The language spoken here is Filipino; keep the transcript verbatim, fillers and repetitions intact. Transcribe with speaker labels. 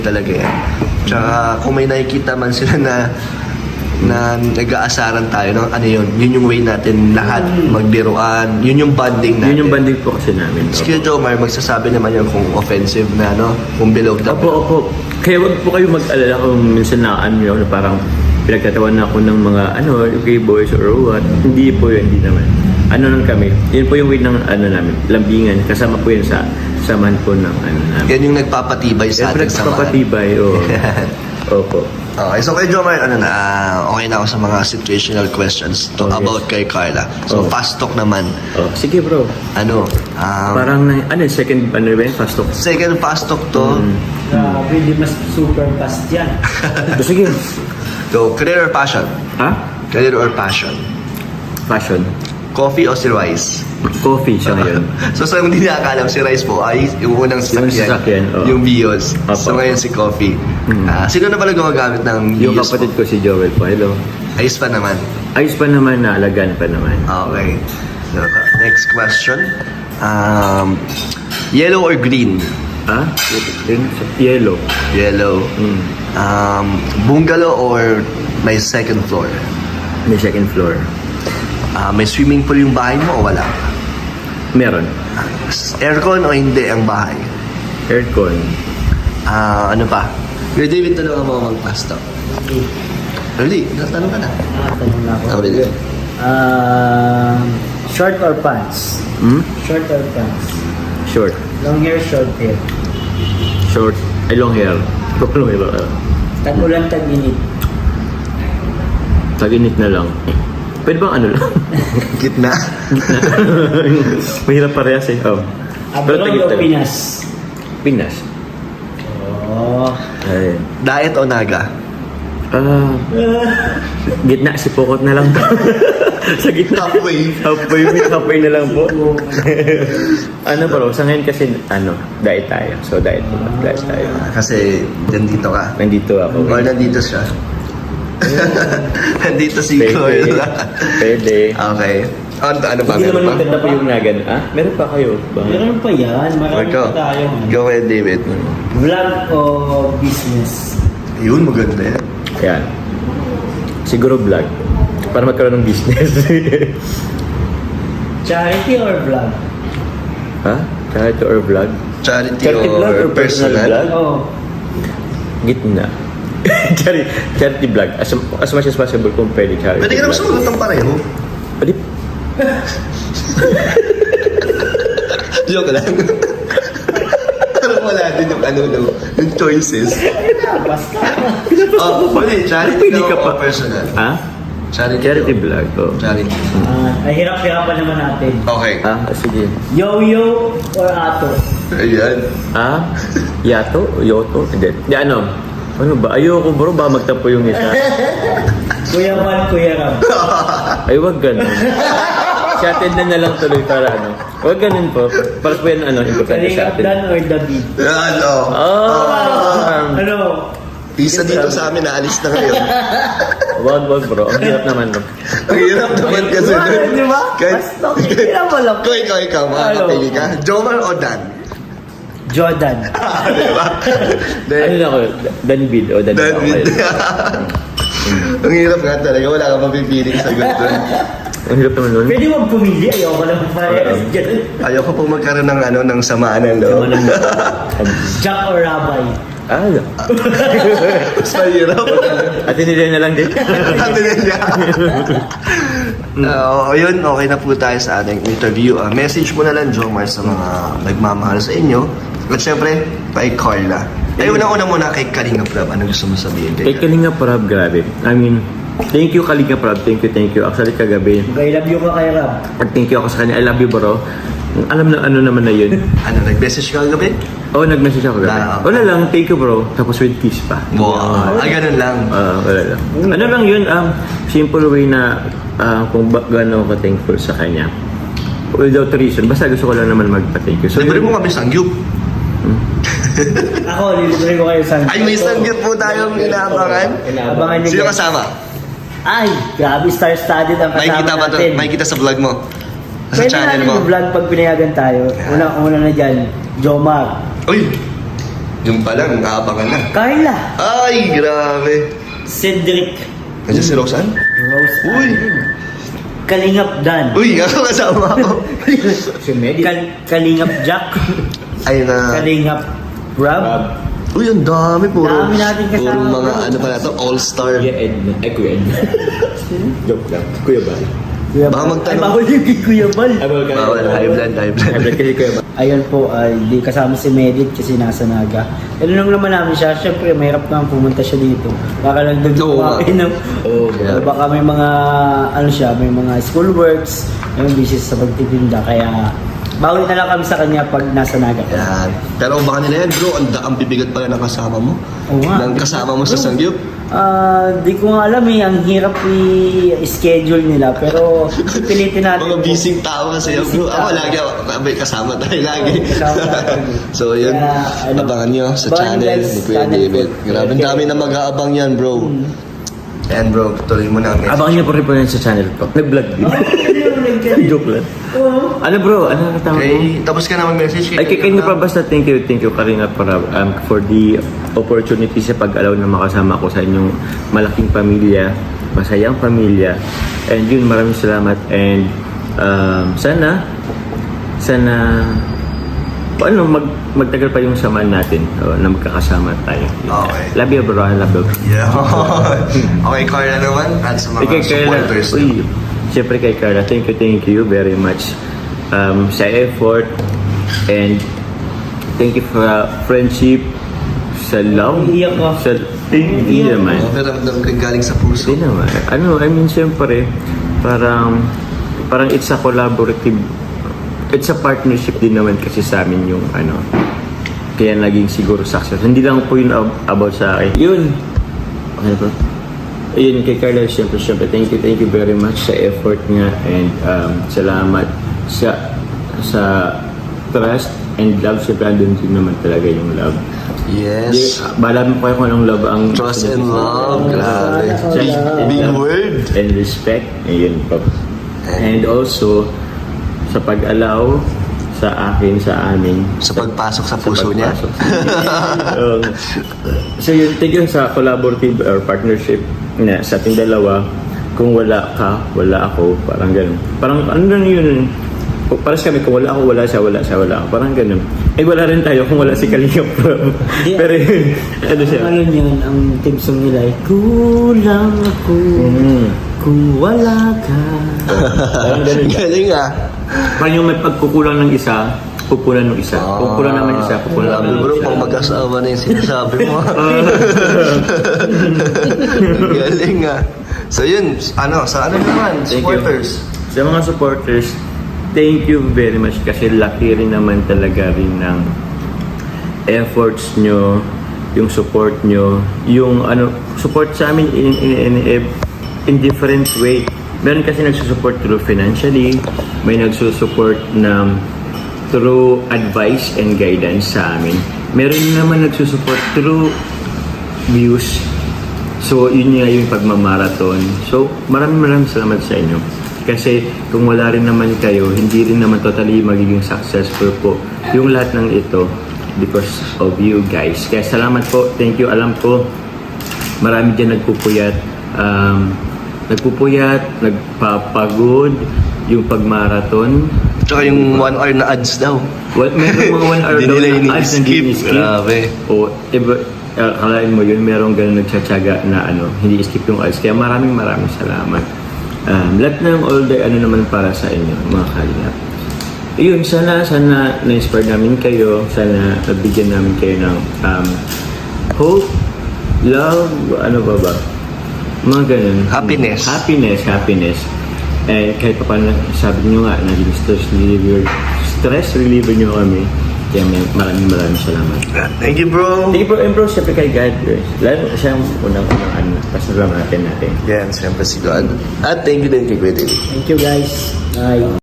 Speaker 1: talaga yan. Tsaka kung may nakikita man sila na na nag-aasaran tayo, no? Ano yun? Yun yung way natin lahat magbiruan. Yun yung bonding natin.
Speaker 2: Yun yung banding po kasi namin.
Speaker 1: Sige, Jomar, magsasabi naman yun kung offensive na, no? Kung below the
Speaker 2: Opo, opo. Kaya wag po kayo mag-alala kung minsan na ano yun, na parang pinagtatawan na ako ng mga ano, okay boys or what. Hindi po yun, hindi naman. Ano lang kami, yun po yung way ng ano namin, lambingan. Kasama po yun sa samahan po ng ano namin.
Speaker 1: Yan yung nagpapatibay sa ating samahan.
Speaker 2: Nagpapatibay, oo. Opo.
Speaker 1: Okay, so kay Jomar, ano na, ah, okay na ako sa mga situational questions to
Speaker 2: Oh, yes.
Speaker 1: about kay Carla. So,
Speaker 2: Oh.
Speaker 1: fast talk naman.
Speaker 2: Oh, sige bro.
Speaker 1: Ano, um,
Speaker 2: Parang, na- ano, second, ano ba yun, fast talk.
Speaker 1: second fast talk to,
Speaker 2: Mm.
Speaker 3: Grabe, di mas super fast yan.
Speaker 2: So, sige.
Speaker 1: so, career or passion?
Speaker 2: Ha?
Speaker 1: Career or passion?
Speaker 2: Fashion.
Speaker 1: Coffee o si Rice?
Speaker 2: Coffee siya ngayon.
Speaker 1: So, sa hindi nakakalam, si Rice po ay yung unang sasakyan.
Speaker 2: Yung sasakyan, oo.
Speaker 1: Yung Vios.
Speaker 2: Opo.
Speaker 1: So, ngayon si Coffee.
Speaker 2: Mm.
Speaker 1: Ah, sino na pala gumagamit ng
Speaker 2: Yung
Speaker 1: Vios
Speaker 2: kapatid
Speaker 1: po?
Speaker 2: ko si Joel po. Hello.
Speaker 1: Ayos pa naman.
Speaker 2: Ayos pa naman, naalagaan pa naman.
Speaker 1: Okay. So, next question. Um, yellow or green?
Speaker 2: Ha? Yung yellow.
Speaker 1: Yellow.
Speaker 2: Mm.
Speaker 1: Um, bungalow or may second floor?
Speaker 2: May second floor.
Speaker 1: Ah, may swimming pool yung bahay mo o wala?
Speaker 2: Meron.
Speaker 1: Ah, aircon o hindi ang bahay?
Speaker 2: Aircon.
Speaker 1: Ah, ano pa? Kuya David, tanong mo mag-pasta.
Speaker 3: Okay.
Speaker 1: Really? Natanong ka na.
Speaker 3: Ah, tanong na ako.
Speaker 1: Oh, really?
Speaker 3: Um, short or pants?
Speaker 2: Hmm?
Speaker 3: Short or pants?
Speaker 2: Short.
Speaker 3: Long hair, short hair.
Speaker 2: Short. Ay, long hair. Long hair. uh,
Speaker 3: Tag-ulan, tag-init.
Speaker 2: Tag-init na lang. Pwede bang ano lang?
Speaker 1: Gitna.
Speaker 2: Mahirap parehas eh. Oh.
Speaker 3: Abroad
Speaker 2: tag-init
Speaker 3: o
Speaker 2: na lang.
Speaker 3: Pinas?
Speaker 2: Pinas.
Speaker 3: Oh.
Speaker 2: Ay.
Speaker 1: Diet o naga?
Speaker 2: Ah, gitna, si Pokot na lang. Sa gitna.
Speaker 1: Halfway.
Speaker 2: Halfway, may halfway na lang po. Ano bro, sa ngayon kasi, ano, diet tayo. So, diet po. Diet tayo.
Speaker 1: Kasi nandito ka.
Speaker 2: Nandito ako.
Speaker 1: Or nandito siya. nandito si
Speaker 2: Pwede.
Speaker 1: Carla.
Speaker 2: Pwede.
Speaker 1: Okay. Ano, ano pa?
Speaker 2: Hindi
Speaker 1: Meron
Speaker 2: naman
Speaker 1: pa?
Speaker 2: maganda pa yung nagan. Ah, meron pa kayo. Ba?
Speaker 3: Meron pa yan. Marami
Speaker 1: Ikaw.
Speaker 3: pa tayo.
Speaker 1: Go ahead, David.
Speaker 3: Vlog o business?
Speaker 1: Yun, maganda yan.
Speaker 2: Yan. Siguro vlog. Para magkaroon ng business.
Speaker 3: Charity or vlog?
Speaker 2: ha? Charity or vlog?
Speaker 1: Charity,
Speaker 2: Charity
Speaker 1: or,
Speaker 2: vlog or personal
Speaker 1: personal?
Speaker 2: vlog?
Speaker 3: Oh.
Speaker 2: Gitna. charity, charity vlog. As, as much as possible kung pwede charity
Speaker 1: Pwede ka naman
Speaker 2: vlog.
Speaker 1: sumagot ng pareho.
Speaker 2: Pwede.
Speaker 1: Joke lang. Pero wala din yung ano, no, yung choices.
Speaker 3: Basta.
Speaker 1: Oh, pwede. Charity
Speaker 2: Pwede ka
Speaker 1: o
Speaker 2: pa.
Speaker 1: personal?
Speaker 2: Ha?
Speaker 1: Charity.
Speaker 2: Charity
Speaker 1: o-
Speaker 2: vlog. Oh.
Speaker 1: Charity.
Speaker 3: Ah, ay hirap-hirapan naman natin.
Speaker 1: Okay.
Speaker 2: Ah, sige.
Speaker 3: Yo-yo or ato?
Speaker 1: Ayan.
Speaker 2: Ah? Yato? Yoto? Hindi. Di ano? Ano ba? Ayoko bro, ba magtampo yung isa?
Speaker 3: Kuya Juan, Kuya Ram.
Speaker 2: Ay, wag ganun. Si atin na na lang tuloy para ano. Wag ganun po. Para po yan ano, importante sa
Speaker 3: Kalingap
Speaker 2: atin.
Speaker 3: Dan or David?
Speaker 1: Ano?
Speaker 2: Ah!
Speaker 3: Ano?
Speaker 1: Isa dito sa amin, naalis na ngayon.
Speaker 2: Wag, wag bro. Ang hirap naman. No?
Speaker 1: Ang hirap naman kasi
Speaker 3: Diba?
Speaker 1: nun.
Speaker 3: Di ba?
Speaker 1: Kahit-
Speaker 3: Basta kaya mo lang.
Speaker 1: Kung ikaw, ikaw, makakapili ka. Jomar o Dan?
Speaker 3: Jordan.
Speaker 1: Di ba?
Speaker 2: Ano na ako? Danbid o Danbid ako
Speaker 1: David.
Speaker 2: ngayon.
Speaker 1: Ang hirap nga talaga. Wala kang mapipiling sagot doon.
Speaker 2: Ang hirap naman nun.
Speaker 3: Pwede mo pumili. Ayoko lang parehas dyan.
Speaker 1: Ayoko po magkaroon ng ano ng samaan ng loob.
Speaker 2: Naman ang...
Speaker 3: Jack or Rabbi?
Speaker 2: Ah,
Speaker 1: Mas mahirap.
Speaker 2: at hindi na lang din.
Speaker 1: Sabi niya. Uh, yun, okay na po tayo sa ating interview. Uh, message mo na lang, Jomar, sa mga nagmamahal sa inyo. At syempre, kay Carla. Ay, unang-una muna kay Kalinga Prab. Ano gusto mo sabihin?
Speaker 2: Kay Kalinga Prab, grabe. I mean, thank you Kalinga Prab. Thank you, thank you. Actually, kagabi.
Speaker 3: I love you ka kay Ram.
Speaker 2: At thank you ako sa kanya. I love you, bro. Alam na ano naman na yun.
Speaker 1: Ano, nag-message ka kagabi?
Speaker 2: Oo, oh, nag-message ako gabi.
Speaker 1: Ah, okay.
Speaker 2: Wala lang, thank you, bro. Tapos with kiss pa.
Speaker 1: Wow. Ah, ganun lang.
Speaker 2: Ah, wala lang. Ano lang yun, um, simple way na uh, kung ba gano'n ako thankful sa kanya. Without reason. Basta gusto ko lang naman magpa-thank you. So,
Speaker 1: Libre
Speaker 2: yun-
Speaker 1: mo kami sangyup.
Speaker 3: Ako, lilibre ko kayo sa...
Speaker 1: Ay, may sangyup po tayong inaabangan.
Speaker 3: Abangan nyo.
Speaker 1: Sino
Speaker 3: guys.
Speaker 1: kasama?
Speaker 3: Ay, grabe, star-studded ang
Speaker 1: May
Speaker 3: kasama
Speaker 1: kita ba to?
Speaker 3: natin.
Speaker 1: May kita sa vlog mo? Sa
Speaker 3: Pwede
Speaker 1: channel
Speaker 3: natin
Speaker 1: mo?
Speaker 3: yung vlog pag pinayagan tayo. Una-una na dyan, Jomar.
Speaker 1: Uy! Yung pa lang, aabangan na.
Speaker 3: Carla.
Speaker 1: Ay, grabe.
Speaker 3: Cedric.
Speaker 1: Nandiyan si Roseanne?
Speaker 3: Rose.
Speaker 1: Uy.
Speaker 3: Kalingap Dan.
Speaker 1: Uy, ako kasama ako.
Speaker 2: Si Medi.
Speaker 3: Kal Kalingap Jack.
Speaker 1: Ay na.
Speaker 3: Kalingap Rob.
Speaker 2: Rob.
Speaker 1: Uy, ang dami. Puro,
Speaker 3: Dami natin kasama,
Speaker 1: puro mga
Speaker 3: bro.
Speaker 1: ano pa na to, all-star.
Speaker 2: Kuya Edna. Ay, Kuya Edna. Joke lang. Kuya Bal.
Speaker 3: Kuya
Speaker 1: Baka
Speaker 3: Bal.
Speaker 1: magtanong.
Speaker 3: Ay, bawal yung kay Kuya Bal.
Speaker 2: Ay, bawal ka.
Speaker 1: Bawal, high blood, high blood.
Speaker 2: High blood kasi Kuya Bal.
Speaker 3: Ayun po, ay di kasama si Medit kasi nasa Naga. Ano nung naman namin siya, syempre mahirap naman pumunta siya dito. Baka lang doon
Speaker 1: Oo,
Speaker 3: kumain ng...
Speaker 2: Oo,
Speaker 1: yeah.
Speaker 3: Baka may mga, ano siya, may mga school works, may busy sa pagtitinda, kaya bawi na lang kami sa kanya pag nasa Naga.
Speaker 1: Yan. Pero baka nila yan, bro, ang, ang bibigat pala ng kasama mo.
Speaker 3: Oo nga.
Speaker 1: Ng kasama mo sa Sangyup.
Speaker 3: Ah, di ko nga alam eh, ang hirap i-schedule nila, pero pilitin natin.
Speaker 1: Mga busy tao kasi yan, bro.
Speaker 3: Busy
Speaker 1: Ako
Speaker 3: tao.
Speaker 1: lagi, ako, may kasama tayo lagi.
Speaker 3: Oo, kasama tayo.
Speaker 1: So, yun.
Speaker 3: Kaya, ano,
Speaker 1: Abangan nyo sa
Speaker 3: abangan
Speaker 1: channel
Speaker 3: guys,
Speaker 1: ni Kuya
Speaker 3: channel
Speaker 1: David.
Speaker 3: po.
Speaker 1: Grabe, ang
Speaker 3: Okay.
Speaker 1: dami na mag-aabang yan, bro. Yan, bro. Tuloy mo na ang message.
Speaker 2: Abangan niyo po rin po yan sa channel ko. Nag-vlog din. Joke lang.
Speaker 3: Oo.
Speaker 2: Ano bro? Ano ang tama mo?
Speaker 1: Okay, tapos ka na mag-message.
Speaker 2: Ay, kay kanya pa basta thank you, thank you Karina para um, for the opportunity sa pag-allow na makasama ko sa inyong malaking pamilya, masayang pamilya. And yun, maraming salamat and um, sana sana ano, mag, magtagal pa yung samahan natin o, na magkakasama tayo.
Speaker 1: Okay.
Speaker 2: Love you bro, I love you.
Speaker 1: Yeah. Okay, Carla naman. At sa mga
Speaker 2: Eh, kay Carla,
Speaker 1: supporters.
Speaker 2: uy, siyempre kay Carla, thank you, thank you very much um, sa effort and thank you for uh, friendship, sa love,
Speaker 3: Iiyak ka.
Speaker 2: sa, hindi naman.
Speaker 1: Oh, pero ramdam ko yung galing sa puso.
Speaker 2: Hindi naman. Ano, I mean, siyempre, parang, parang it's a collaborative, it's a partnership din naman kasi sa amin yung, ano, kaya naging siguro success. Hindi lang po yun ab- about sa akin. Yun. Okay po. Ayun, kay Carla, siyempre, siyempre, thank you, thank you very much sa effort niya and um, salamat sa sa trust and love. Siyempre, andun din naman talaga yung love.
Speaker 1: Yes.
Speaker 2: Malaman po kayo kung anong love ang...
Speaker 1: Trust and love. Grabe. Big, big word.
Speaker 2: And respect. Ayun po. And also, sa pag-allow sa akin, sa amin.
Speaker 1: Sa pagpasok sa
Speaker 2: sa
Speaker 1: puso niya.
Speaker 2: pagpasok sa um, so yun, thank you sa collaborative or partnership na sa ating dalawa. Kung wala ka, wala ako. Parang ganun. Parang ano na yun. Paras kami, kung wala ako, wala siya, wala siya, wala ako. Parang ganun. Eh, wala rin tayo kung wala si Kalingap.
Speaker 3: Hindi.
Speaker 2: Pero yun, ano siya.
Speaker 3: Ano yun, ang team song nila ay kulang ako
Speaker 2: Mm.
Speaker 3: kung wala ka.
Speaker 2: Parang ganun.
Speaker 1: Galing ah.
Speaker 2: Parang yung may pagkukulang ng isa, pupunan ng isa. Kung kulang naman isa, pupunan
Speaker 1: Grabe
Speaker 2: naman ng
Speaker 1: bro,
Speaker 2: isa.
Speaker 1: pang mag-asawa na yung sinasabi mo. Galing ah. So yun, ano, sa ano naman,
Speaker 2: Thank you.
Speaker 1: supporters.
Speaker 2: Sa mga supporters, thank you very much kasi laki rin naman talaga rin ng efforts nyo, yung support nyo, yung ano, support sa amin in, in, in, in, in different way. Meron kasi nagsusupport through financially, may nagsusupport na through advice and guidance sa amin. Meron naman nagsusupport through views. So, yun nga yung pagmamarathon. So, maraming maraming salamat sa inyo. Kasi kung wala rin naman kayo, hindi rin naman totally magiging successful po yung lahat ng ito because of you guys. Kaya salamat po. Thank you. Alam ko, marami dyan nagpupuyat. Um, nagpupuyat, nagpapagod yung pagmarathon.
Speaker 1: Tsaka yung one hour na ads daw.
Speaker 2: Well, meron mga one hour
Speaker 1: Hindi
Speaker 2: daw
Speaker 1: nila
Speaker 2: na ads na
Speaker 1: ini-skip.
Speaker 2: ini-skip.
Speaker 1: Grabe.
Speaker 2: O, iba, uh, kalain mo yun, merong ganun nagtsatsaga na ano, hindi skip yung ads. Kaya maraming maraming salamat. Um, lahat ng all day, ano naman para sa inyo, mga kalingap. Yun, sana, sana na-inspire namin kayo. Sana nabigyan namin kayo ng um, hope, love, ano ba ba? Mga ganun.
Speaker 1: Happiness.
Speaker 2: Happiness, happiness. Eh, kahit pa paano, sabi nyo nga, naging stress reliever, stress reliever nyo kami. Kaya may maraming maraming salamat.
Speaker 1: Thank you bro.
Speaker 2: Thank you bro, and bro, siyempre kay God, bro. Lalo siya ang unang-unang ano, pasalamatan natin.
Speaker 1: Yan, siyempre si God. At thank you din kay Kuya David.
Speaker 3: Thank you guys. Bye.